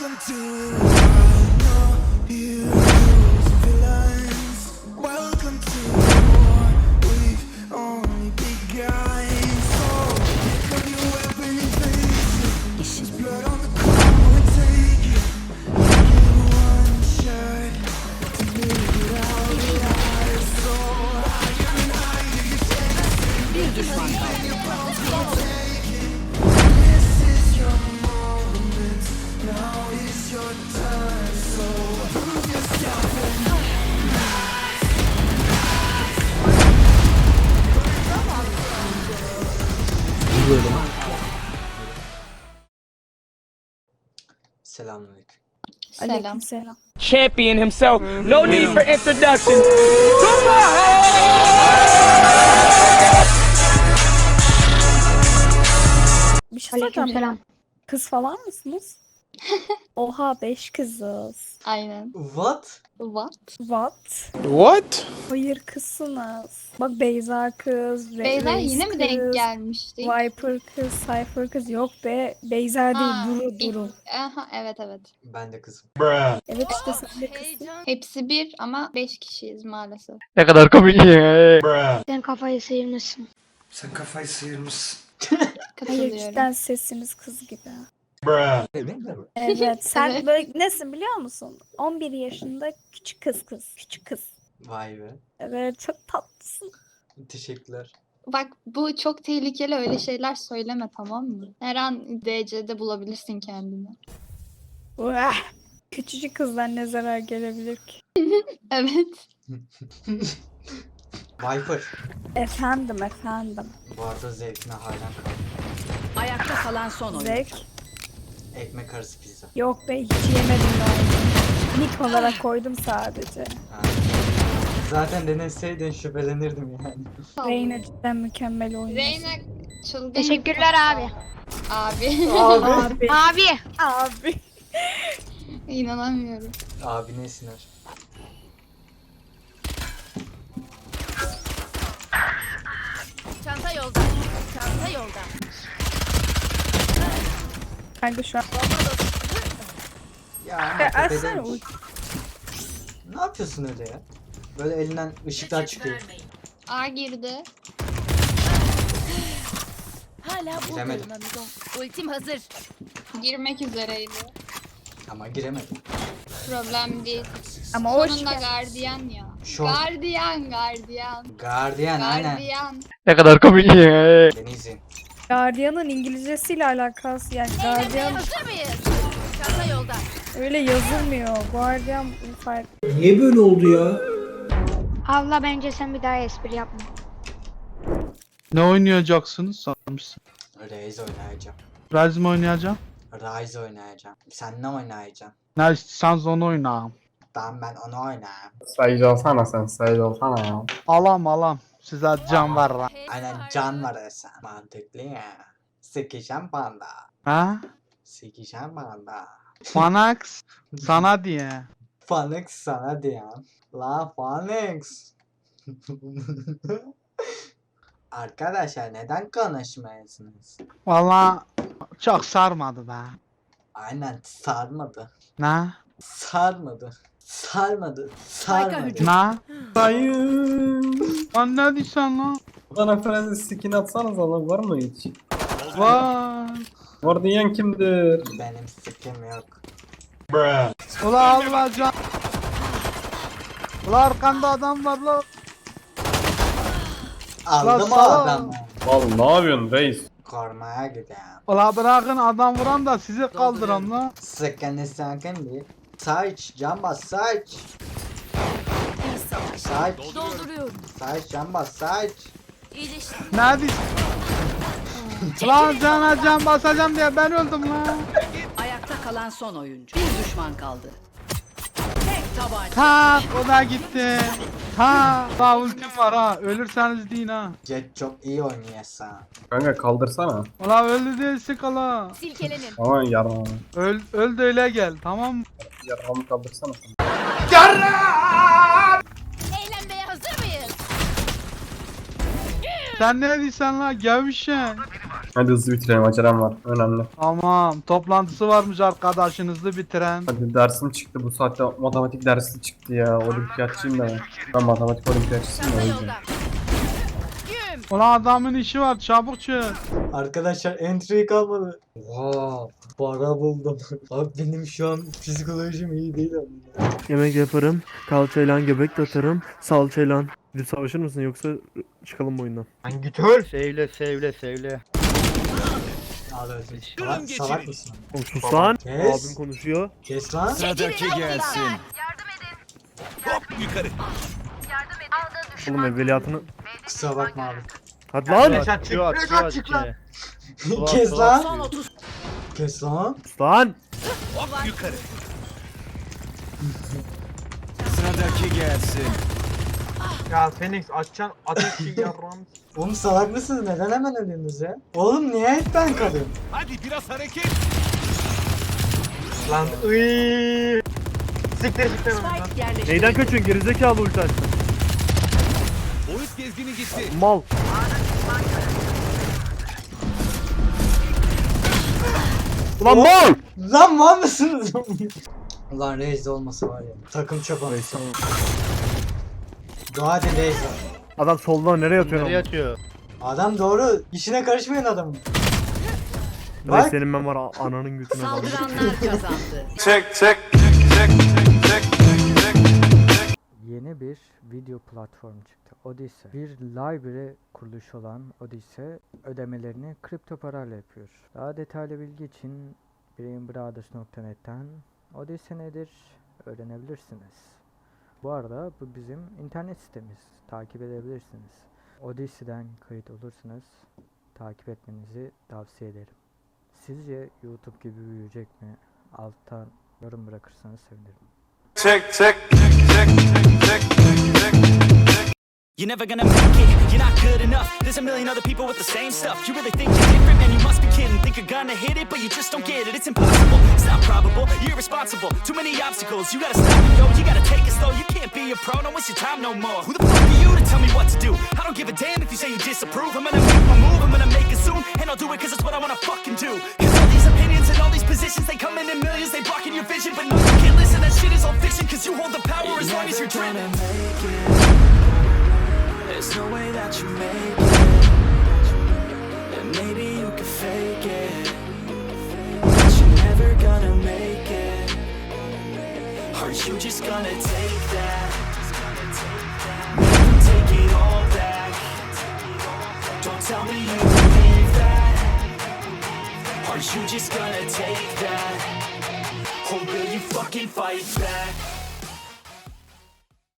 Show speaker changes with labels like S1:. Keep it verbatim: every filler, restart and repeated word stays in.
S1: Welcome to I know heroes and villains. Welcome to war. We've only begun. So pick up your weapon and face it. There's blood on the ground. We take it. Give it one shot to make it out alive. So I am higher. You take
S2: Bir düşman kaldı.
S1: This is your moment. Now is your time. So prove yourself and
S3: Selamünaleyküm.
S4: Selam.
S5: Selam.
S6: Champion himself. No need for introduction.
S5: Bir şey soracağım.
S4: Aleykümselam.
S5: Kız falan mısınız? Oha beş kızız.
S4: Aynen.
S3: What?
S4: What?
S5: What?
S6: What?
S5: Hayır kızsınız. Bak Beyza kız, Re-
S4: Beyza
S5: Reis
S4: yine mi
S5: kız,
S4: denk gelmişti?
S5: Viper kız, Cypher kız. Yok be. Beyza değil,
S4: Ha,
S5: Duru
S4: ilk-
S5: Duru.
S4: Aha, evet evet.
S3: Ben de kızım.
S5: Evet işte sen de kızsın.
S4: Hepsi bir ama beş kişiyiz maalesef.
S6: Ne kadar komik.
S2: Sen kafayı sıyırmışsın.
S1: sen kafayı sıyırmışsın.
S5: Hayır
S4: Katılıyorum.
S5: cidden sesiniz kız gibi.
S3: Evet.
S5: Evet sen
S4: Evet.
S5: böyle nesin biliyor musun? on bir yaşında küçük kız kız. Küçük kız.
S3: Vay be.
S5: Evet çok tatlısın.
S3: Teşekkürler.
S4: Bak bu çok tehlikeli, öyle şeyler söyleme, tamam mı? Her an D C'de bulabilirsin kendini.
S5: Uah! Küçücük kızdan ne zarar gelebilir ki?
S4: Evet.
S3: Viper.
S5: Efendim efendim.
S3: Bu arada zevkine hayran kaldım.
S2: Ayakta kalan son oyun.
S5: Zevk.
S3: Ekmek arası pizza.
S5: Yok be hiç yemedim ben. Nick olarak koydum sadece.
S3: Ha. Zaten deneseydin şüphelenirdim yani.
S5: Reyna cidden mükemmel oynuyor.
S4: Reyna çılgın.
S2: Teşekkürler abi.
S4: Abi.
S5: Abi.
S2: Abi.
S5: Abi.
S4: İnanamıyorum.
S3: Abi ne siner?
S2: Çanta yolda. Çanta yolda.
S5: Kanka şu an.
S3: Ya ama
S5: Ya
S3: tepeden-
S5: açsana uç.
S3: Ne yapıyorsun öyle ya? Böyle elinden ışıklar çıkıyor.
S4: A girdi.
S2: Hala
S3: Giremedim.
S2: buradayım amigo. Ultim hazır.
S4: Girmek üzereydi.
S3: Ama giremedim.
S4: Problem değil.
S5: Ama hoş
S4: Sonunda
S5: geldin.
S4: gardiyan ya.
S3: Şok.
S4: Gardiyan, gardiyan.
S3: Gardiyan aynen.
S4: Gardiyan.
S6: Ne kadar komik.
S3: Beni izleyin.
S5: Guardian'ın İngilizcesiyle alakası yani Guardian
S2: Hazır mıyız? Çanta yolda.
S5: öyle yazılmıyor. Guardian farklı.
S1: Niye böyle oldu ya?
S2: Abla bence sen bir daha espri yapma.
S7: Ne oynayacaksınız sanmışsın?
S3: Raze oynayacağım.
S7: Rise mi oynayacağım?
S3: Rise oynayacağım. Sen ne oynayacaksın?
S7: Ne istiyorsanız onu oynayalım.
S3: Tamam ben onu oynayayım.
S8: Sayıcı olsana sen, sayıcı olsana ya.
S7: Alam alam. Size can var lan.
S3: Aynen can var esen. Mantıklı ya. Sikişen panda.
S7: Ha?
S3: Sikişen panda.
S7: Fanax sana diye.
S3: Phoenix sana diyen. La Phoenix. Arkadaşlar neden konuşmuyorsunuz?
S7: Valla çok sarmadı be.
S3: Aynen sarmadı.
S7: Ne?
S3: Sarmadı. Sarmadı.
S2: Harika
S3: Sarmadı.
S2: hücum.
S7: Ne?
S8: Sayın.
S7: Lan ne diyorsun lan?
S8: Bana Francis skin atsanız lan, var mı hiç?
S7: Vay.
S8: Var diyen kimdir?
S3: Benim sikim yok.
S7: Ula Allah can. Ula arkanda adam var lan.
S3: Aldım o
S7: sağ ol.
S3: adamı.
S8: Oğlum ne yapıyorsun reis?
S3: Korumaya gidelim.
S7: Ula bırakın adam vuran da sizi kaldıran lan.
S3: Sakın sakın değil. Saç, can bas saç. Saç,
S2: Dolduruyorum.
S3: saç, can bas saç.
S2: İyileştim.
S7: Ne diyorsun? Lan cana can basacağım diye ben öldüm lan.
S2: Ayakta kalan son oyuncu. Bir düşman kaldı. Tek tabanca.
S7: Tak o da gitti. Ha, daha ultim var ha. Ölürseniz deyin ha.
S3: Jet çok iyi oynuyorsun.
S8: Kanka kaldırsana.
S7: Ulan öldü değilsin kala.
S2: Silkelenin.
S8: Aman yarma.
S7: Öl, öl de öyle gel tamam mı?
S8: Yarmamı kaldırsana sen.
S2: Eğlenmeye hazır mıyız?
S7: Sen ne diyorsun lan gevşen?
S8: Hadi hızlı bitirelim, acelem var. Önemli.
S7: Tamam. Toplantısı varmış arkadaşınızı bitiren.
S8: Hadi dersim çıktı, bu saatte matematik dersi çıktı ya. Olimpiyatçıyım da ben. Ben matematik olimpiyatçısıyım da o yüzden.
S7: Ulan adamın işi var, çabuk çık.
S3: Arkadaşlar entry kalmadı. Oha, para buldum. Abi benim şu an psikolojim iyi değil ama.
S9: Yemek yaparım, kalçayla göbek de atarım, salçayla. Bir savaşır mısın yoksa çıkalım bu oyundan?
S7: Lan git öl.
S10: Sevle sevle sevle.
S3: Abi öyle. Salak, salak mısın?
S9: Oğlum sus lan.
S3: Kes.
S9: Abim konuşuyor.
S3: Kes lan.
S1: Sıradaki gelsin.
S9: Oğlum evveliyatını...
S3: Kusura bakma abi.
S9: Hadi lan!
S10: Açıyor açıyor açıyor.
S3: Kes
S2: Son
S3: lan.
S2: otuz.
S3: Kes lan.
S9: Sus lan!
S1: Sıradaki gelsin.
S7: Ya Phoenix açacaksın ateşi yarram.
S3: Oğlum salak mısınız? Neden hemen ölüyorsunuz ya? Oğlum niye hep ben kalıyorum?
S1: Hadi biraz hareket.
S7: Lan ıyyy. Siktir siktir lan.
S2: Spike yerleştirildi.
S9: Neyden kaçıyorsun gerizekalı ulti açtın?
S1: Boyut gezgini gitti.
S9: Mal. Ulan mal!
S3: Lan mal mısınız? Ulan Reis olması var ya. Takım çöp anı. Dua edin Reis var.
S9: Adam soldan nereye atıyor
S10: Nereye
S9: onu?
S10: atıyor?
S3: Adam doğru. İşine karışmayın adamın.
S9: Reis
S3: Bak.
S9: senin ben var ananın götüne bak.
S2: Saldıranlar kazandı.
S1: Çek çek çek çek çek.
S10: Yeni bir video platformu çıktı. Odyssey. Bir library kuruluşu olan Odyssey ödemelerini kripto parayla yapıyor. Daha detaylı bilgi için brainbrothers nokta net'ten Odyssey nedir öğrenebilirsiniz. Bu arada bu bizim internet sitemiz. Takip edebilirsiniz. Odyssey'den kayıt olursanız takip etmenizi tavsiye ederim. Sizce YouTube gibi büyüyecek mi? Alttan yorum bırakırsanız sevinirim.
S1: Çek çek çek çek çek.
S11: You're never gonna make it, you're not good enough. There's a million other people with the same stuff. You really think you're different, man, you must be kidding. Think you're gonna hit it, but you just don't get it. It's impossible, it's not probable, you're irresponsible. Too many obstacles, you gotta stop it, yo. You gotta take it slow, you can't be a pro, don't waste your time no more. Who the fuck are you to tell me what to do? I don't give a damn if you say you disapprove. I'm gonna make my move, I'm gonna make it soon. And I'll do it cause it's what I wanna fucking do. Cause all these opinions and all these positions, they come in in millions, they blocking your vision. But no, you can't listen, that shit is all fiction. Cause you hold the power as long as you're dreaming. There's no way that you make it. And maybe you can fake it, but you're never gonna make it. Aren't you just gonna take that? Make them take it all back. Don't tell me you believe that. Aren't you just gonna take that? Or will you fucking fight back?